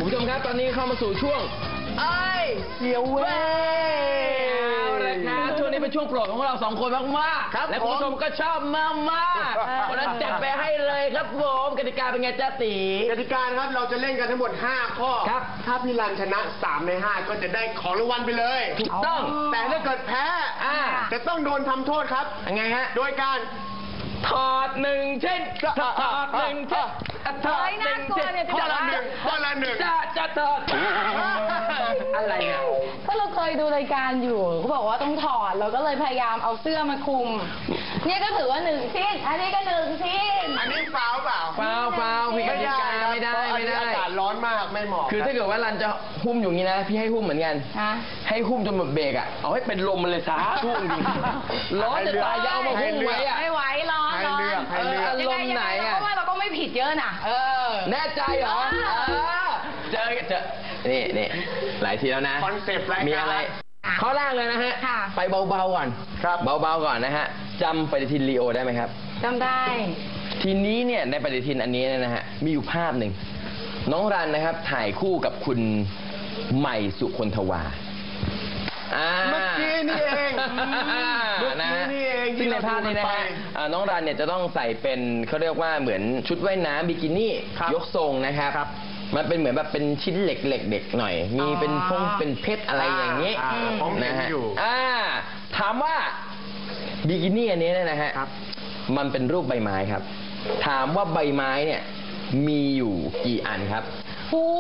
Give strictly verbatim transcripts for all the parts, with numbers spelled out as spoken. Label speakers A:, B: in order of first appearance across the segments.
A: ผู้ชมครับตอนนี้เข้ามาสู่ช่วงไอ้เสียวเว้ยเอาละครับช่วงนี้เป็นช่วงโปรดของเราสองคนมากๆและคุณผู้ชมก็ชอบมากๆเพราะฉะนั้นจัดไปให้เลยครับผมกติกาเป็นไงจ๊ะตี
B: กติกาครับเราจะเล่นกันทั้งหมดห้าข้อครับถ้าพี่รันชนะสามในห้าก็จะได้ของรางวัลไปเลย
A: ถูกต้อง
B: แต่ถ้าเกิดแพ้จะต้องโดนทำโทษครับ
A: ยังไงฮะ
B: โดยการ
A: ถอดหนึ่งเช่นถอดหนึ่งเช่นถอดหนึ่งเช่น
B: ข้อละหนึ่งข้อละหนึ่ง
A: จะจะถอดอะไรเนี่ย
C: ก็เราเคยดูรายการอยู่เขาบอกว่าต้องถอดเราก็เลยพยายามเอาเสื้อมาคลุมเนี่ยก็ถือว่าหนึ่งชิ้นอันนี้ก็หนึ่งชิ้น
B: อันนี้ฟาวเปล่า
A: ฟาวฟาวผิดกติกาไม่ได้ไม่ได้
B: อากาศร้อนมากไม่เหมาะ
A: คือถ้าเกิดว่ารันจะหุ้มอยู่งี้นะพี่ให้หุ้มเหมือนกันให้หุ้มจนหมดเบรกอ่ะเอาให้เป็นลมมันเลยซะทุ่งจริงร้อนจะตายยาวมาหุ้มไว้อ่ะ
C: ไม่ไหวร้อนร้อน
A: อารมณ์ไหนอ่ะ
C: เพราะว่าเราก็ไม่ผิดเยอะนะเออ
A: แน่ใจเหรอเจอเจอนี่นี่หลายทีแล้วนะ
B: คอนเซ็ปต์รายการ
A: มีอะไรข้อแรกเลยนะฮะไปเบาๆก่อน
B: ครับ
A: เบาๆก่อนนะฮะจำปฏิทินลีโอได้ไหมครับ
C: จำได้
A: ทีนี้เนี่ยในปฏิทินอันนี้นะฮะมีอยู่ภาพหนึ่งน้องรันนะครับถ่ายคู่กับคุณใหม่สุคนทวา
B: เมื่อกี้นี่เองเมื่อกี้นี่เอง
A: ซึ่งในภาพนี้นะฮะน้องรันเนี่ยจะต้องใส่เป็นเขาเรียกว่าเหมือนชุดว่ายน้ำบิกินี่ยกทรงนะครับมันเป็นเหมือนแบบเป็นชิ้นเหล็กเหล็กเด็กหน่อยมีเป็นพงเป็นเพชรอะไรอย่างนี้นะฮะถามว่าบิกินี่อันนี้เนี่ยนะฮะมันเป็นรูปใบไม้ครับถามว่าใบไม้เนี่ยมีอยู่กี่อันครับ
C: โอ้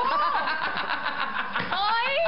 C: เฮ้ย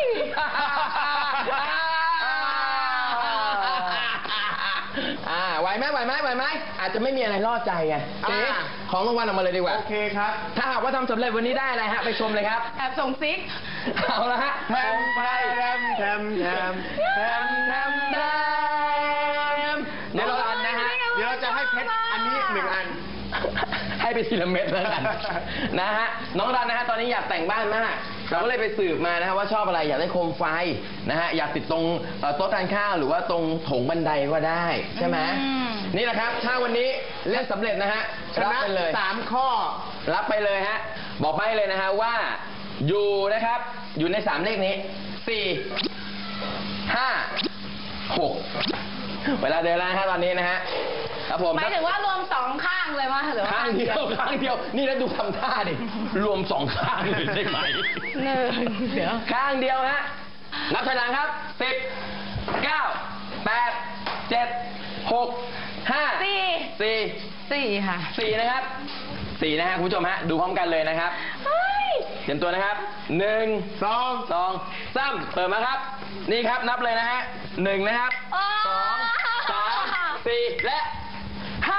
A: อ่าไหวไหมไหวไหมไหวไหมอาจจะไม่มีอะไรล่อใจไงของรางวัลออกมาเลยดีกว่า
B: โอเคครับ
A: ถ้าหากว่าทำสำเร็จวันนี้ได้อะไรฮะไปชมเลยครับ
C: แอบส่งซิก
A: เอาละฮะ
B: แทมแทมแทมแทมแทมแทมแทม
A: เดี๋ยวเรานะฮะ
B: เดี๋ยวเราจะให้เพชรอันนี้หนึ่งอัน
A: ให้ไปทีละเม็ดแล้วกันนะฮะน้องรันนะฮะตอนนี้อยากแต่งบ้านมากเราก็เลยไปสืบมานะฮะว่าชอบอะไรอยากได้โคมไฟนะฮะอยากติดตรงโต๊ะทานข้าวหรือว่าตรงโถงบันไดก็ได้ใช่ไหมนี่แหละครับถ้าวันนี้เล่นสำเร็จนะฮะ
B: รับไปเลยสามข้อ
A: รับไปเลยฮะบอกไปเลยนะฮะว่าอยู่นะครับอยู่ในสามเลขนี้สี่ห้าหกเวลาเดินแล้วนะตอนนี้นะฮะครับผม
C: หมายถึงว่ารวมสองข้างเลยว่าหรือ
A: ข้างเดียวข้างเดียวนี่แล้วดูทำท่าดิรวมสองข้างเลยได้ไหม
C: หนึ่งเดี๋ยว
A: ข้างเดียวฮะนับถอยหลังครับสิบเก้าแปดเจ็ดหกห้า
C: สี่
A: สี่
C: สี่ค่ะ
A: สี่นะครับสี่นะฮะคุณผู้ชมฮะดูพร้อมกันเลยนะครับเตรียมตัวนะครับหนึ่ง
B: สอง
A: สองสามเปิดมาครับนี่ครับนับเลยนะฮะหนึ่งนะครับสองสามสี่และห้า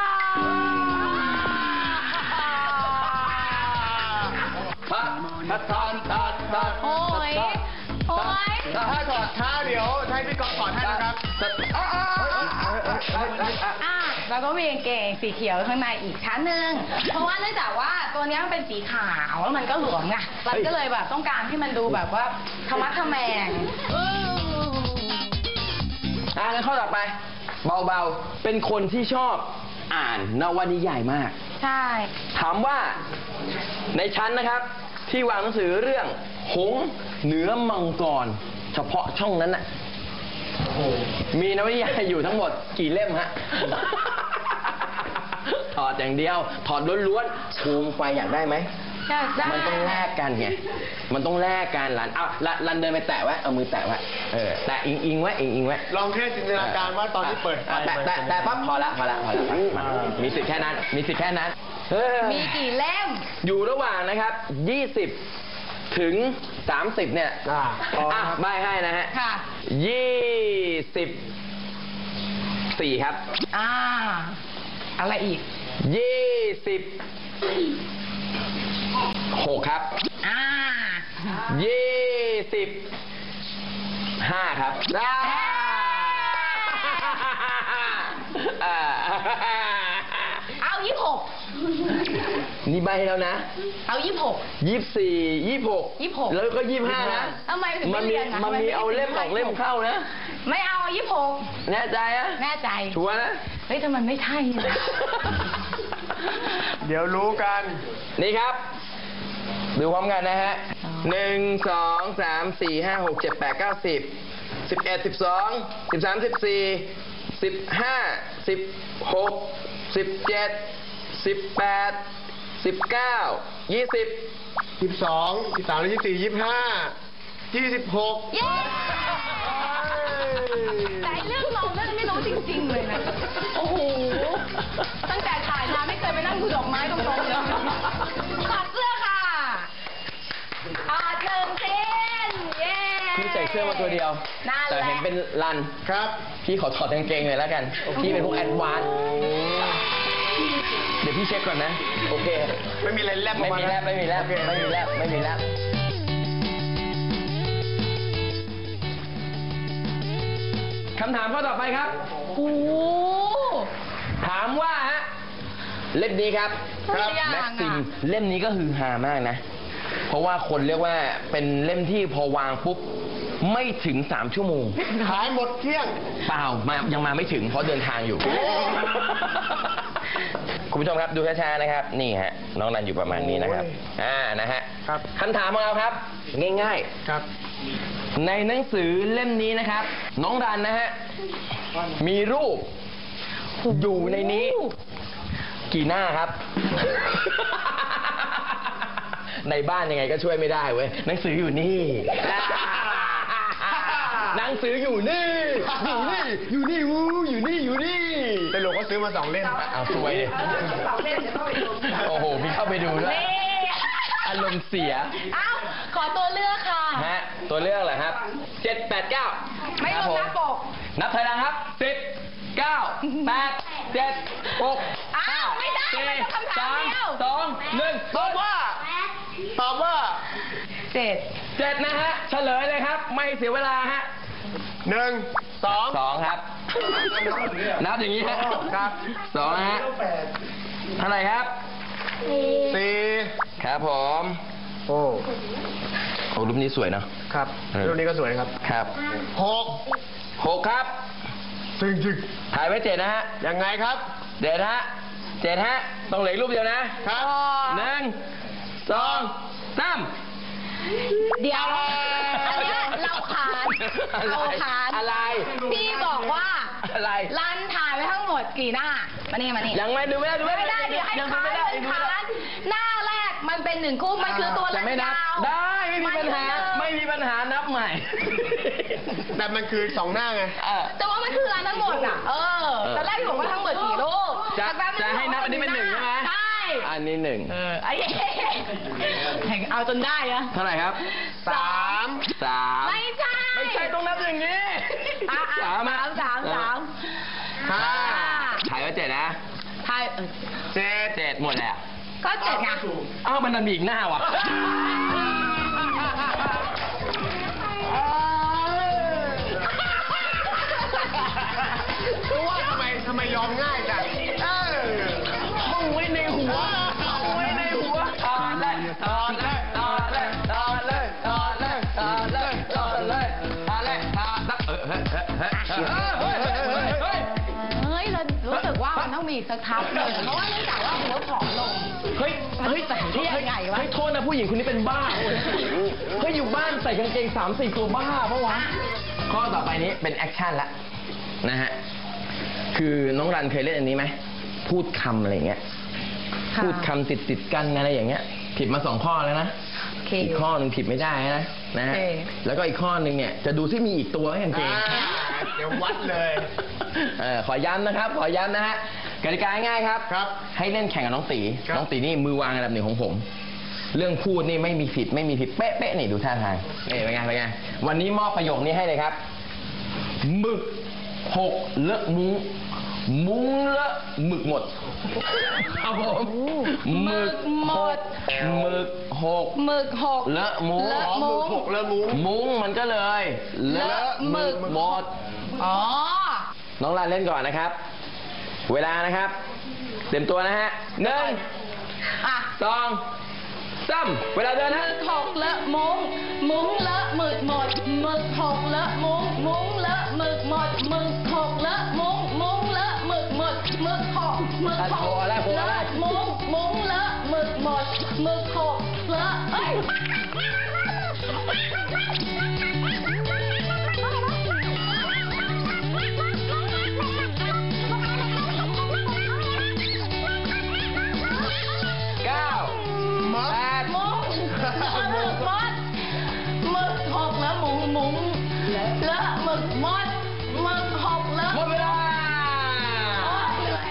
A: พัดพัดพัดพัดพัด
C: โอ้ยโอ้ย
B: ถ้าถอดท้าเดี๋ยวให้พี่กอล์ฟถอดให้นะครับ
C: อ่ะแล้วก็มีกางเกงสีเขียวข้างในอีกชั้นหนึ่งเพราะว่าเนื่องจากว่าตัวนี้มันเป็นสีขาวแล้วมันก็หลวมไงเราก็เลยแบบต้องการที่มันดูแบบว่าธรรมะทแมง
A: อ่ะงั้นข้อต่อไปเบาๆเป็นคนที่ชอบอ่านนวนิยายมาก
C: ใช่
A: ถามว่าในชั้นนะครับที่วางหนังสือเรื่องหงส์เหนือมังกรเฉพาะช่องนั้นน่ะมีนวนิยายอยู่ทั้งหมดกี่เล่มฮะถอดอย่างเดียวถอดล้วนๆโคมไฟอยากได้ไหมมันต้องแลกกันไงมันต้องแลกกันหลานเอาลันเดินไปแตะไว้เอามือแตะไว้เออแตะอิงอิงไว้อิงอิงไว้
B: ลองแค่จินตนาการว่าตอนที่เปิด
A: แตะแตะแตะปั๊บพอละพอละพอละมีสิทธิ์แค่นั้นมีสิทธิ์แค่นั้น
C: มีกี่เล่ม
A: อยู่ระหว่างนะครับยี่สิบถึงสามสิบเนี่ยอ่ะใบให้นะฮะ
C: ค่ะ
A: ยี่สิบสี่ครับ
C: อ่าอะไรอีก
A: ยี่สิบหกครับ
C: อ่า
A: ยี่สิบห้าครับได้
C: เอายี่สิบหก
A: นี่ใบแล้วนะ
C: เอายี่สิบหก
A: ยี่สิบสี่ยี่สิบหก
C: ยี่สิบหก
A: แล้วก็ยี่สิบห้านะ
C: ทำไมถึงไม่
A: เรียนมันมีเอาเล่มสองเล่มเข้านะ
C: ไม่เอายี่สิบหก
A: แน่ใจอะ
C: แน่ใจ
A: ชัวร์นะ
C: เฮ้ยแต่มันไม่ใช่
B: เดี๋ยวรู้กัน
A: นี่ครับดูพร้อมกันนะฮะหนึ่งสองสามสี่ห้าหกเจ็ดแปดเก้าสิบสิบเอ็ดสิบสองสิบสามสิบสี่สิบห้าสิบหกสิบเจ็ดสิบแปดสิบเก้ายี่สิบ
B: สิบสอง สิบสาม ยี่สิบสี่ ยี่สิบห้า ยี่สิบหก
C: เย้แต่เรื่องเราเรื่องไม่รู้จริงๆเลยนะ โอ้โห ตั้งแต่ถ่ายมาไม่เคยไปนั่งดูดอกไม้ตรงๆเลยถอดเสื้อค่ะถอดหนึ่งชิ้นเย้
A: พี่ใส่เสื้อมาตัวเดียว
C: นั่นแหละ
A: แต่เห็นเป็นรัน
B: ครับ
A: พี่ขอถอดกางเกงเลยแล้วกัน พี่เป็นพวกแอดวานซ์เดี๋ยวพี่เช็คก่อนนะ โอเค
B: ไม่มีอะไรแลบออ
A: ไม่
B: กา
A: มี
B: นะ
A: แลบไม่มีแลบ
B: โอเค
A: ไม่มีแลบไม่มีแลบคำถามข้อต่อไปครับ
C: โอ้โห
A: ถามว่าฮะเล่มนี้ครับ
C: ครับ
A: แม็กซิมเล่มนี้ก็ฮือฮามากนะ เพราะว่าคนเรียกว่าเป็นเล่มที่พอวางปุ๊บไม่ถึงสามชั่วโมง
B: ขายหมดเที่ยง
A: เปล่ามายังมาไม่ถึงเพราะเดินทางอยู่ คุณผู้ชมครับดูช้าๆนะครับ นี่ฮะน้องรันอยู่ประมาณนี้นะครับ
B: โอ้ย
A: อ่านะฮะ
B: ครับ
A: คำถามของเราครับ ง่าย
B: ครับ
A: ๆ ในหนังสือเล่มนี้นะครับ น้องรันนะฮะมีรูปอยู่ในนี้ กี่หน้าครับ ในบ้านยังไงก็ช่วยไม่ได้เว้ยหนังสืออยู่นี่ หนังสืออยู่นี่ อยู่นี่ อยู่นี่วูอยู่นี่ อยู่นี่
B: แต่หลวงก็ซื้อมาสองเล่ม
A: เอาสวยดิโอ้โห มีเข้าไปดูด้วย
C: นี่
A: อารมณ์เสีย
C: เอ้า ขอตัวเลือกค่ะ
A: ฮะ ตัวเลือกเหรอครับ เจ็ด แปด เก้า
C: ไม่รวมหน้าปก
A: นับถอยหลังครับ สิบ เก้า แปด เจ็ด หก
C: อ้าวไม่ได้
A: สี่
C: มันต้องคำถา
A: สาม ม
C: เดียว
A: สอง หนึ่ง
B: ตอบว่า ตอบว่า
C: เจ็ด
A: เจ็ดนะฮะ เฉลยเลยครับ ไม่เสียเวลาฮะ
B: หนึ่ง สอง
A: สองครับ นับอย่างนี้ฮะ
B: ครับ
A: สองนะฮะ เท่าไหร่ครับ
B: สี่
A: ครับผม
B: โอ้
A: โอ้รูปนี้สวยเนาะ
B: ครับ
A: เออ
B: รูปนี้ก็สวยครับ
A: ครับ
B: หก
A: หกครับ
B: จริงจริง
A: ถ่ายไว้เจ็ดนะฮะ
B: ๆยังไงครับ
A: เจ็ดฮะเจ็ดฮะ ต้องเหลืออกรูปเดียวนะ
B: ครับ
A: หนึ่ง สอง สาม
C: เดี๋ยว อันเนี้ยเราขาน
A: อะไร
C: เราขาน
A: อะไร
C: พี่บอกว่า
A: อะไร
C: รันถ่ายไว้ทั้งหมดกี่หน้า มานี่มานี่
A: ยังไม่ดูไม่ได้ดู
C: ไม่ได้เดี๋ยวให้
A: ยัง
C: ค้า
A: ดู
C: น
A: ไม่ได้ยังดู
C: ค้า
A: ไม่ได้
C: นหน้าแรกมันเป็นหนึ่งคู่มันคือตัว
A: จะ
C: รัน
A: ไม่นับ
C: ยาว
A: ได้ไม่มีปัญหา ไม่มีปัญหานับใหม่
B: แต่มันคือสองหน้าไง
A: เออ
C: แต่ว่ามันคือรันทั้งหมดอ่ะ เออตอนแรกพี่บอกว่าทั้งหมดกี่รูป
A: จะ
C: แต่แป๊บนึง
A: จะให้นับอันนี้เป็นหนึ่งใช่ไหม
C: ใช่
A: อันนี้หนึ่ง
C: เออไอ้แห่งเอาจนได้อะ
A: เท่าไหร่ครับ
B: สาม
A: สาม
C: ไม่ใช่
A: ไม่ใช่ต้องนับอย่างนี้
C: อ่ะอ่ะ
A: สามอะ
C: สามสาม
B: ห้า
A: ถ่ายไว้เจ็ดนะ
C: ทายเออ
B: เจ็ด
A: เจ็ดหมดแล้ว
C: ก็เจ็ดไง
A: อ้าวมันดันมีอีกหน้าว่ะ
B: รู้ว่าทำไมทำไมยอมง่ายจังเออ
A: มึงไว้ในหัวมึงไว้ในหัวถอดเลยถอดเลยถอดเลยถอดเลยถอดเลยถอดเลยถอดเลยถอดเลยถอดเลยเออเฮ้ยเฮ้ยเฮ้ยเฮ้ยเฮ้ยเฮ้ยเฮ้ย
C: เฮ้ยเรารู้สึกว่ามันต้องมีสักทับหนึ่งเพราะว่าเนื่องจากว่าหัวผอมลง
A: เฮ้ย
C: มันใส่ได้ยังไงวะ
A: เฮ้ยโทษนะผู้หญิงคนนี้เป็นบ้าเว้ยเฮ้ยอยู่บ้านใส่กางเกงสามสี่ตัวบ้าปะวะ ข้อต่อไปนี้เป็นแอคชั่นละนะฮะ คือน้องรันเคยเล่นอันนี้ไหม พูดคำอะไรอย่างเงี้ย
C: ค่ะ
A: พูดคำติดติดๆกันอะไรอย่างเงี้ย ผิดมาสองข้อแล้วนะ
C: โอเค
A: อีกข้อหนึ่งผิดไม่ได้นะนะฮะ
C: โอเค
A: แล้วก็อีกข้อหนึ่งเนี่ยจะดูที่มีอีกตัวไหมกางเกง
B: อ่าเดี๋ยววัดเลย
A: เออขอย้ำนะครับ ขอย้ำนะฮะกติกาง่ายครับ
B: ครับ
A: ให้เล่นแข่งกับน้องตี
B: ครับ
A: น้องตีนี่มือวางอันดับหนึ่งของผม เรื่องพูดนี่ไม่มีผิดไม่มีผิดเป๊ะๆนี่ดูท่าทางนี่เป็นไงเป็นไงวันนี้มอบประโยคนี้ให้เลยครับหมึกหกเลอะมุ้งมุ้งเลอะหมึกหมดครับผมหมึกหกหมึกหก
C: หมึกหก
A: เลอะมุ้ง
C: เลอะ
B: หมึกหกเลอะมุ้ง
A: มุ้งมันก็เลย เลอะหมึกหมด
C: อ๋อ
A: น้องรันเล่นก่อนนะครับ เวลานะครับ เตรียมตัวนะฮะหนึ่ง
C: อ่ะ
A: สองสามเวลาเดิน
C: ห
A: นะ
C: มึกหกเลอะมุ้ง มุ้งเลอะหมึกหมดหมึกหกเลอะมุ้ง มุ้งเลอะหมึกหมดหมึกหกเลอะมุ้ง มุ้งเลอะหมึกหมดหมึกหกหมึกหกเลอะมุ้ง มุ้งเลอะหมึกหมดหมึกหกเลอะเอ้ย
A: เก้า
B: มัด
A: แปด
C: มุ้งหมึกมดหมึกหกแล้วหมุงหมุงเลอะหมึกมดหมึกหกเลอะ
A: หมดเวลา
C: โอ๊ยเหนื่อย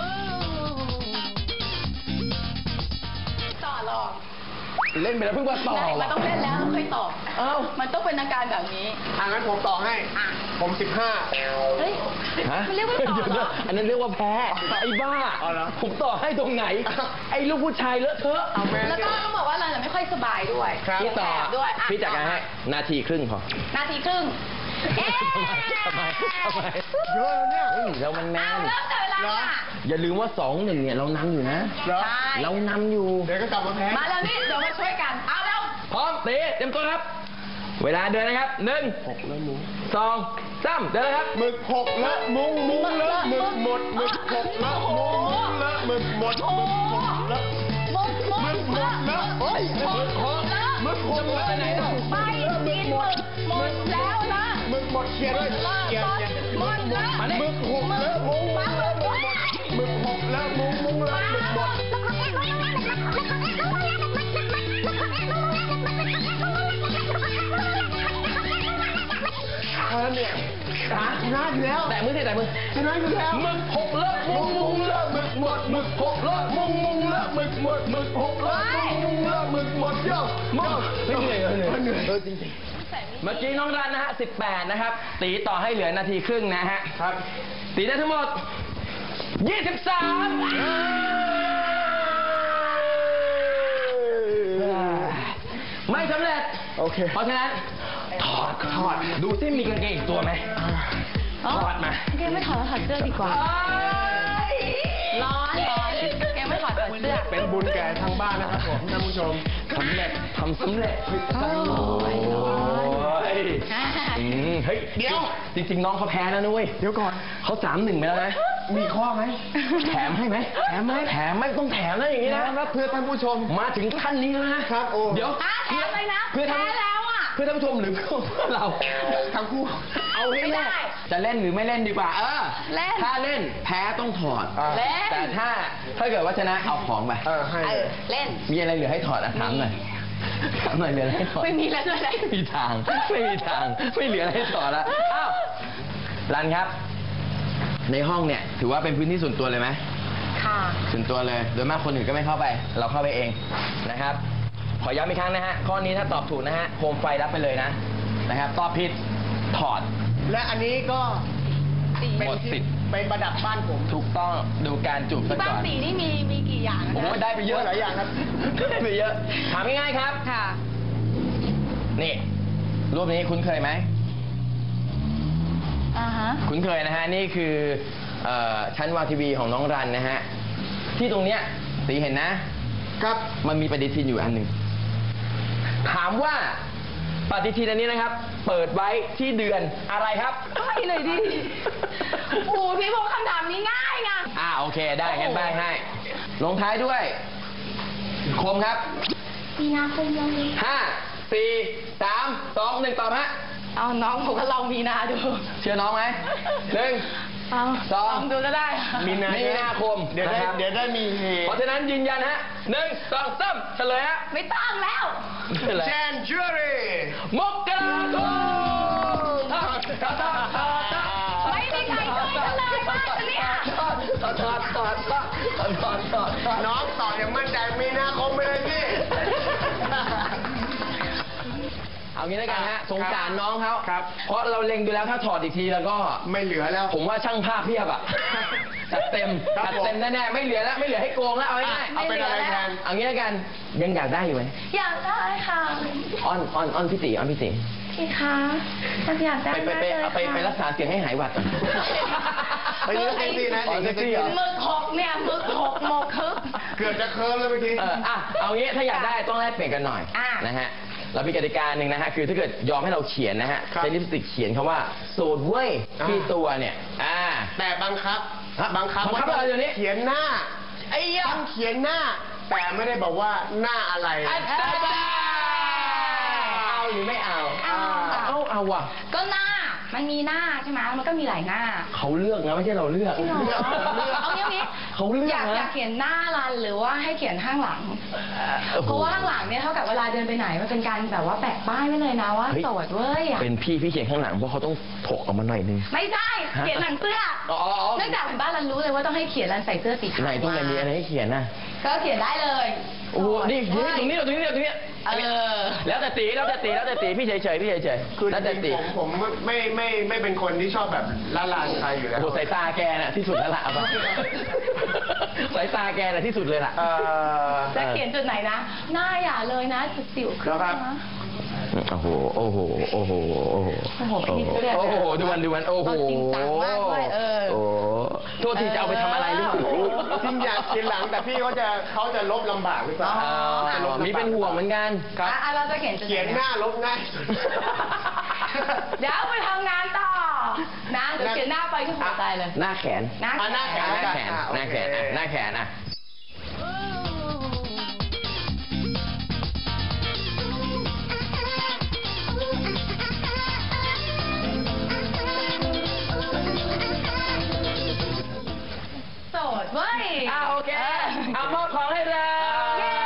C: ต่อหรอก
A: เล่นไปแล้วเพิ่งมาต่อ
C: ใช่มันต้องเล่นแล้วค่อยตอบ
A: เอ้า
C: มันต้องเป็นอาการแบบนี้
B: อ่างั้นผมต่อให้ ผมสิบห้า
C: เฮ้ย
A: ฮะ
C: มันเรียกว่าต่อ
A: เดี๋ยว
C: เหร
A: นะ
C: อ
A: อันนั้นเรียกว่าแพ้ ไอ้บ้า
B: อ๋อเหรอ
A: ผมต่อให้ตรงไหน ไอ้ลูกผู้ชายเลอะเทอะ
B: เอาแม่
C: แล้วก็ต้องบอกว่าเราจะไม่ค่อยสบายด้วย
B: ครับ
A: พี่ต่อ
C: แอบด้วยะ
A: พี่จัดการให้นาทีครึ่งพอ
C: นาทีครึ่ง เอ๊ะ
A: ทำไมทำไม
B: เยอะแล้วเนี่ย
A: เฮ้ยเรามันแม
C: เอา
A: น
C: เริ่มจับเวลา
B: เหรอ
C: ค่ะ
A: อย่าลืมว่าสองหนึ่งเนี่ยเรานำอยู่นะ
B: เหรอ
C: ใช่
A: เรานำอยู่
B: เดี๋ยวก็กลับมาแพ้
C: มาแล้วนี่เดี๋ยวมาช่วยกัน เอาแล้ว
A: พร้อมตีเต็มตัวครับ เวลาเดินนะครับหนึ่ง
B: หกแล้วมุ้ง
A: สองสามเดินเลยครับ
B: หมึกหกและมุ้งมุ้งเลอะหมึกหมดหมึกหกและมุ้งมุ้งเลอะหมึกหมดหมึกหกและ
C: มุกมุก
B: หมึกหมดเลอะโอ้ย
C: มุกมุกเลอะ
B: หมึกหกเลอะ
A: ไปไหนล่ะ
C: ไปกินหมึกหมดแล้วนะ
B: หมึกหมดเขียนเลย
C: เลอะ
B: เขียน
C: หมด
B: เขียน
C: หมดเลอะ
A: มานี่
B: หมึกหกเลอะมุ้งมุ้งเลอะหมึกหมดหมึกหกเลอะมุ้งมุ้งเลอะหมึกหมดเออเนี่ยชนะอยู่แล้ว
A: แต่มือสิแต่มือ
B: ชนะอยู่แล้ว
A: หมึกหกเลอะมุงมุงเลอะหมึกหมดหมึกหกเลอะมุงมุงเลอะหมึกหมดหมึกหกเลอะมุงมุงเลอะหมึกหมดเยอะมึงไม่เหนื่อยเหนื่อย
B: เหนื่อย
A: เออจริงๆเมื่อกี้น้องรันนะฮะสิบแปดนะครับ ตีต่อให้เหลือนาทีครึ่งนะฮะ
B: ครับ
A: ตีได้ทั้งหมดยี่สิบสามไม่สำเร็จ
B: โอเค
A: เพราะฉะนั้นถอดถอดดูซิมีกางเกงอีกตัวไหมถอดมา
C: แกไม่ถอดถอดเสื้อดีกว่า ร้อนร้อนแกไม่ถอดถอดเสื้อ
B: เป็นบุญแก่ทางบ้านนะครับผมท่านผู้ชม
A: สำเร็จทำสำเร็จ
C: โอ้ย
A: โอ้ย
C: อ่า
A: อืมเฮ้ย
B: เดี๋ยว
A: จริง ๆ น้องเขาแพ้แล้วนะเว้ย
B: เดี๋ยวก่อน
A: เขาสามหนึ่งไปแล้วนะ
B: มีข้อไหม
A: แถมให้ไหมแถมไหมแถมไม่ต้องแถมนะอย่างนี้นะ
B: นะเพื่อท่านผู้ชม
A: มาถึงขั้นนี้แล้วนะครับ
B: โอ้
A: เดี๋ยว
C: อ่ะแถมเลยนะ
A: เพื่อท่าน
C: แพ้แล้วอ่ะ
A: เพื่อท่านผู้ชมหรือเพื่อเรา
B: ทั้งคู่
A: เอาให้
C: ไม่ได้
A: แน่จะเล่นหรือไม่เล่นดีกว่า เออ
C: เล่น
A: ถ้าเล่นแพ้ต้องถอด
B: อ่า
C: เล่น
A: แต่ถ้าถ้าเกิดว่าชนะเอาของไป
B: เออให้
C: เอ
B: เล
C: อย เล่น
A: มีอะไรเหลือให้ถอดอ่ะถามหน่อยถามหน่อยเหลืออะไรให้ถอด
C: ไม่มีแล้วด้วยนะ
A: ไม่มีทาง ไม่มีทาง ไม่เหลืออะไรให้ถอดแล้วอ้าวรันครับ ในห้องเนี่ย ถือว่าเป็นพื้นที่ส่วนตัวเลยไหม
C: ค่ะ
A: ส่วนตัวเลย โดยมากคนอื่นก็ไม่เข้าไป เราเข้าไปเองนะครับ ขอย้ำอีกครั้งนะฮะ ข้อนี้ถ้าตอบถูกนะฮะ โคมไฟรับไปเลยนะ นะครับ ตอบผิด ถอด
B: และอันนี้ก็
C: สี
B: เป็น
A: หมดสิ
B: ที่
A: ทธิ์
B: เป็นประดับบ้านผม
A: ถูกต้องดูการจูบซะ
C: ที่บ้า
A: ก่
C: น
A: อน
C: สีนี่มีมีกี่อย่างนะ
A: โอ้โหได้ไปเยอะ
B: หลายอย่างครับ
A: ได้ไปเยอะ ถามง่ายๆครับ
C: ค่ะ
A: นี่ รูปนี้คุ้นเคยไหม
C: อ่าฮะ
A: คุ้นเคยนะฮะ นี่คือเอ่อชั้นวางทีวีของน้องรันนะฮะ ที่ตรงเนี้ยตีเห็นนะ
B: ครับ
A: มันมีปฏิทินอยู่อันหนึ่ง ถามว่าปฏิทินอันนี้นะครับ เปิดไว้ที่เดือนอะไรครับ
C: ให้เลยดิ โอ้พี่พงษ์คำถามนี้ง่ายไง
A: อ่าโอเคได้งั้นใบให้ ลงท้ายด้วย คมครับ
C: มีนาคมยังมี
A: ห้าสี่สามสองหนึ่งตอบฮะ
C: เอาน้องผมก็ลองมีนาดู
A: เชื่อน้องไหมหนึ่ง
C: เอา
A: สอง
C: ลองดูก็ได้
B: มีนา
A: มีนาคม
B: เดี๋ยวได้
A: นะครับ
B: เดี๋ยวได้มีเฮ
A: เพราะฉะนั้นยืนยันฮะหนึ่งสองสามเฉลยฮะ
C: ไม่ต้องแล้ว
A: เฉลย
B: แจนจูรี่
A: มกราคม
C: ไม่มีใครช่วยกันเลยบ้านเนี่ย
A: ถอดถอดถอดถอดถอดถอดถอดถอด
B: น้องต่ออย่างมั่นใจมีนาคมไปเลยพี่
A: เอางี้แล้วกันฮะสงสารน้องเขา
B: ครับ
A: เพราะเราเล็งดูแล้วถ้าถอดอีกทีแล้วก็
B: ไม่เหลือแล้ว
A: ผมว่าช่างภาพเพียบอ่ะ จัดเต็ม
B: ครับ
A: จัด
B: ผม
A: เต็มแน่ๆไม่เหลือแล้วไม่เหลือให้โกงแล้วเอาง่ายๆ
B: เอาเป็นอะไรแทน
A: เอางี้แล้วกันยังอยากได้อยู่ไหม
C: อยากได้ค่ะ
A: อ้อนอ้อนอ้อนพี่ตีอ้อนพี่ตี
C: พี่คะมันอยากได้
A: ไปไป
C: มาก
A: ไป
C: เลย
A: เอาไปไปรักษาเสียงให้หายหวัดก่อน
B: ไปเลือกเซ็กซี่นะ
A: อ๋อเซ็กซี่เหรอ
C: มึกหกเนี่ยมึกหกหมกคึก
B: เกือบจะเคิร์มเลยเมื่อกี้
A: เอออ่ะเอางี้ถ้าอยากได้ต้องแลกเปลี่ยนกันหน่อย
C: อ่ะ
A: นะฮะเรามีกติกาหนึ่งนะฮะคือถ้าเกิดยอมให้เราเขียนนะฮะ
B: ครับ
A: ใช้ลิปสติกเขียนคำว่าโสดเว้ย
B: อ่า
A: ที่ตัวเนี่ยอ่า
B: แต่บังคับ
A: ฮะ
B: บังคับ
A: บังคับ
B: ว่า
A: อะไรเดี๋ยวนี้
B: เขียนหน้า
A: ไอ้ยะ
B: ต้องเขียนหน้า แต่ไม่ได้บอกว่าหน้าอะไร
A: อาจารย์เอาหรือไม่เอา
C: เอาค่ะ
A: เอาเอาว่ะ
C: ก็หน้ามันมีหน้าใช่ไหมมันก็มีหลายหน้า
A: เขาเลือกนะไม่ใช่เราเลือก
C: จริงเหรอเอางี้เอางี้
A: เขาเลือก
C: อยาก
A: นะ
C: อยากเขียนหน้ารันหรือว่าให้เขียนข้างหลัง
A: โอ้โห
C: เพราะว่าข้างหลังเนี่ยเท่ากับเวลาเดินไปไหนมันเป็นการแบบว่าแปะป้ายไว้เลยนะว่า
A: เฮ้ย
C: โสดเว้ยอะ
A: เป็นพี่พี่เขียนข้างหลังเพราะเขาต้องถกออกมาหน่อยนึง
C: ไม่ใช่เขียนหนังเสื้อ
A: อ๋ออ๋ออ๋อ
C: เนื่องจากถึงบ้านรันรู้เลยว่าต้องให้เขียนรันใส่เสื้อสีขาว
A: ไหนตรงไหนมีอะไรให้เขียนน่ะ
C: ก็เขียนได้เลย
A: โอ้โหนี่
C: โส
A: นี่
C: ด
A: ตรงนี้ตรงนี้ตรงนี้
C: เออ
A: แล้วแต่ตีแล้วแต่ตีแล้วแต่ตีพี่เฉยเฉยๆพี่เฉยเฉยๆ
B: คือ
A: แล้วแต่
B: จ
A: ตี
B: ริงๆผมผมไม่ไม่ไม่เป็นคนที่ชอบแบบละลานใครอยู่แล้
A: โอ้
B: ว
A: โหสายตาแกน่ะที่สุดแล้วล่ะเอาไปสายตาแกน่ะที่สุดเลยล่ะ
B: เอ่อ
C: จะเขียนจุดไหนนะ หน้าอย่าเลยนะจุดสิวขึ้น
B: แล้วครับ
C: นะ
A: โอ้โห โอ้โห โอ้โห โอ้โห
C: โอ้โหพี่นิดเรียก
A: โอ้โห ดูมันดูมัน โอ้โห
C: เอาจริงจังมากด้วยเออ
A: โอ้โหโทษทีจะเอาไปทำอะไรหรือเปล่า
B: จริงอยากเขียนหลังแต่พี่เขาจะเขาจะลบลำบากหรือเปล่า
A: อ๋อ
B: จะลบลำบาก
A: มีเป็นห่วงเหมือนกัน
B: ครับ
C: อ่ะเราจะเขียนจุดไหน
B: เขียนหน้าลบง่ายสุด
C: เดี๋ยวไปทำงานต่อ นะ เดี๋ยวเขียนหน้าไปที่หัวใจเลย
A: หน้าแขน
C: หน้า
B: อ่ะหน้าแข
A: หน้าแขน
B: อ่ะ
A: หน้าแขน
B: โอเค
A: อ่ะหน้าแขนอ่ะ
C: โสดเว้ย
A: อ่ะโอเค เอามอบของให้เลย
C: เย้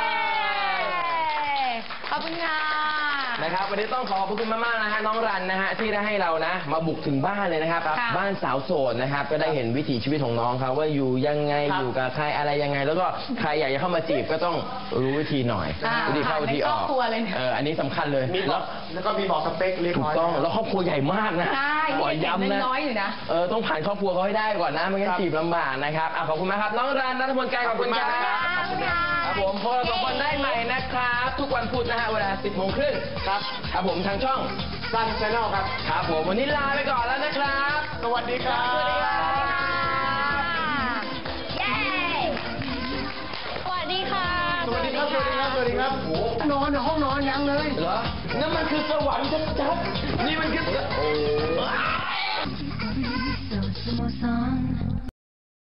C: ขอบคุณค่ะ
A: นะครับวันนี้ต้องขอบพระคุณมากๆนะฮะน้องรันนะฮะที่ได้ให้เรานะมาบุกถึงบ้านเลยนะครับ
C: ค่ะ
A: บ้านสาวโสดนะครับก็ได้เห็นวิถีชีวิตของน้องเขาว่าอยู่ยังไง
B: ครับ
A: อยู่กับใครอะไรยังไง แล้วก็ใครอยากจะเข้ามาจีบก็ต้องรู้วิธีหน่อย
C: อ่า
A: วิธีเข้าวิธีออก
C: ในครอบครัวเลยเนี่ย
A: เอออันนี้สำคัญเลย
B: มีบ
A: แล้
B: อ
A: ว
B: กแล้วก็มีบอกสเปคเรียบ
A: ถู
B: ร้
A: ก
B: อย
A: ต้องแล้วครอบครัวใหญ่มากนะ
C: ใช่
A: ขอ
C: นี่เด็ก
A: ย้ำนะ
C: น้อยๆอยู่นะ
A: เออต้องผ่านครอบครัวเขาให้ได้ก่อนนะไม่งั้น
B: ครับ
A: จีบลำบากนะครับอ่ะขอบคุณมากครับน้องรันนัทพลไกรขอบคุณครับ
C: ขอบคุณค่ะ
A: ครับผมพบกันสองคนได้ใหม่นะครับ ทุกวันพุธนะฮะเวลาสิบโมงครึ่ง
B: ครับ
A: ครับผมทางช่อง
B: สั้นชแนลครับ
A: ครับผมวันนี้ลาไปก่อนแล้วนะครับ
B: สวัสดีครับ
A: สวัสดีครับ
C: เย้ สวัสดีค่ะ
B: สวัสดีครับ สวัสดีครับ สวัสดีครับโอ้นอนในห้องนอนยังเลย
A: เหรอ นั่นมันคือสวรรค์ชัดๆนี่มันคือโอ้